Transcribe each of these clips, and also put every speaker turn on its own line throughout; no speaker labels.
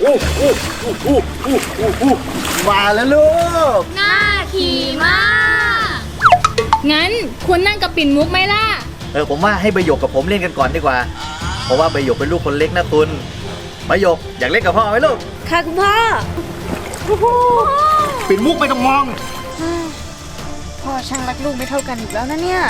มาแล้วลูก
น่าขี่มาก งั้นคุณนั่งกับปิ่นมุกไหมล่ะ
ผมว่าให้ใบหยกกับผมเล่นกันก่อนดีกว่าเพราะว่าใบหยกเป็นลูกคนเล็กนะคุณใบหยกอยากเล่นกับพ่อไหมลูก
ค่ะคุณพ่อ
ปิ่นมุกไม่ต้องมอง
พ่อช่างรักลูกไม่เท่ากันอีกแล้วนะเนี่ย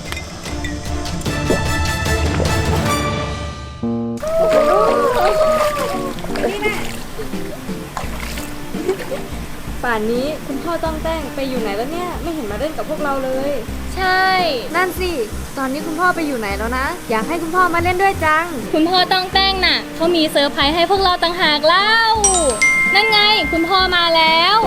ป่านนี้คุณพ่อต้องแต้งไปอยู่ไหนแล้วเนี่ยไม่เห็นมาเล่นกับพวกเราเลยใช่นั่นสิตอนนี้คุณพ่อไปอยู่ไหนแล้วนะอยากให้คุณพ่อมาเล่นด้วยจังคุณพ่อต้องแต้งน่ะเขามีเซอร์ไพรส์ให้พวกเราต่างหากเล่านั่นไงคุณพ่อมาแล้ว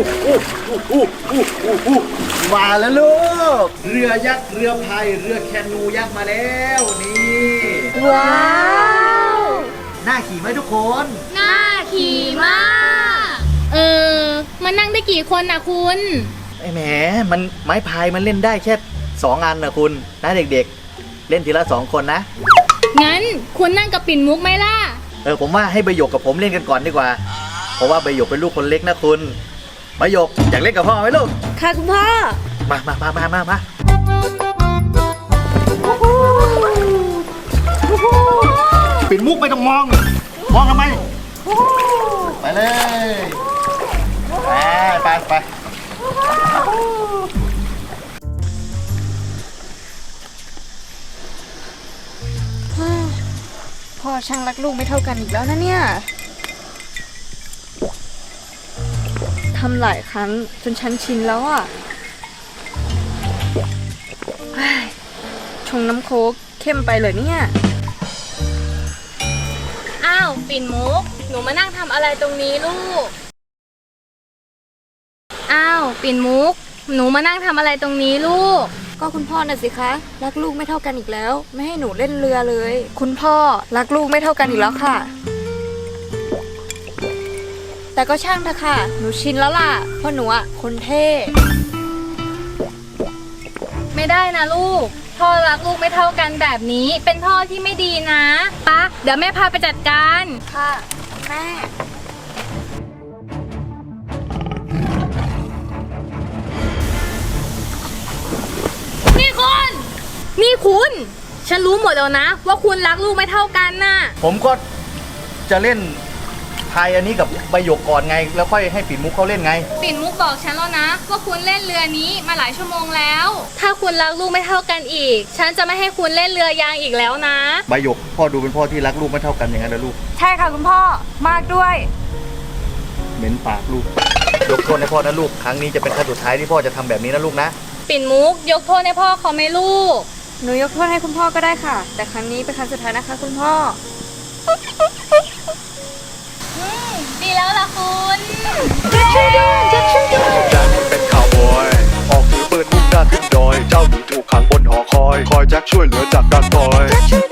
มาแล้วลูกเรือยักษ์เรือพายเรือแคนูยักษ์มาแล้วนี่
ว้าว
น่าขี่ไหมทุกคน
น่าขี่มากมันนั่งได้กี่คนนะคุณ
แหมมันไม้พายมันเล่นได้แค่2 อันนะคุณนะเด็กๆเล่นทีละ2 คนนะ
งั้นคุณนั่งกับปิ่นมุกไหมล่ะ
ผมว่าให้ใบหยกกับผมเล่นกันก่อนดีกว่าเพราะว่าใบหยกเป็นลูกคนเล็กนะคุณใบหยกอยากเล่นกับพ่อไหมลูก
ค่ะคุณพ่อ
มาปิ่นมุกไม่ต้องมองทำไมไปเลยไป
พ่อช่างรักลูกไม่เท่ากันอีกแล้วนะเนี่ยทำหลายครั้งจนฉันชินแล้วอ่ะชงน้ำโค้กเข้มไปเลยเนี่ยอ้าวปิ่นมุกหนูมานั่งทำอะไรตรงนี้ลูกอ้าวปิ่นมุกหนูมานั่งทำอะไรตรงนี้ลูกก็คุณพ่อน่ะสิคะรักลูกไม่เท่ากันอีกแล้วไม่ให้หนูเล่นเรือเลยคุณพ่อรักลูกไม่เท่ากันอีกแล้วค่ะแต่ก็ช่างเถอะค่ะหนูชินแล้วล่ะเพราะหนูอ่ะคนเท่ไม่ได้นะลูกพ่อรักลูกไม่เท่ากันแบบนี้เป็นพ่อที่ไม่ดีนะปะเดี๋ยวแม่พาไปจัดการค่ะแม่นี่คุณฉันรู้หมดแล้วนะว่าคุณรักลูกไม่เท่ากันน่ะ
ผมก็จะเล่นพายอันนี้กับใบหยกก่อนไงแล้วค่อยให้ปิ่นมุกเขาเล่นไง
ปิ่นมุกบอกฉันแล้วนะว่าคุณเล่นเรือนี้มาหลายชั่วโมงแล้วถ้าคุณรักลูกไม่เท่ากันอีกฉันจะไม่ให้คุณเล่นเรือยางอีกแล้วนะ
ใบหยกพ่อดูเป็นพ่อที่รักลูกไม่เท่ากันอย่างนั้นนะลูก
ใช่ค่ะคุณพ่อมากด้วย
เหม็นปากลูกยกโทษให้พ่อนะลูกครั้งนี้จะเป็นครั้งสุดท้ายที่พ่อจะทำแบบนี้นะลูกนะ
ปิ่นมุกยกโทษให้พ่อเขาไหมลูกหนูยกโทษให้คุณพ่อก็ได้ค่ะแต่ครั้งนี้เป็นครั้งสุดท้ายนะคะคุณพ่อดีแล้วล่ะคุณช่วยด้วยแจ็ค
เป็นข่าวบอยออกถือปืนมุ่งหน้าขึ้นดอยเจ้าหนีถูกขังบนหอคอยแจ็คช่วยเหลือจากการต่อย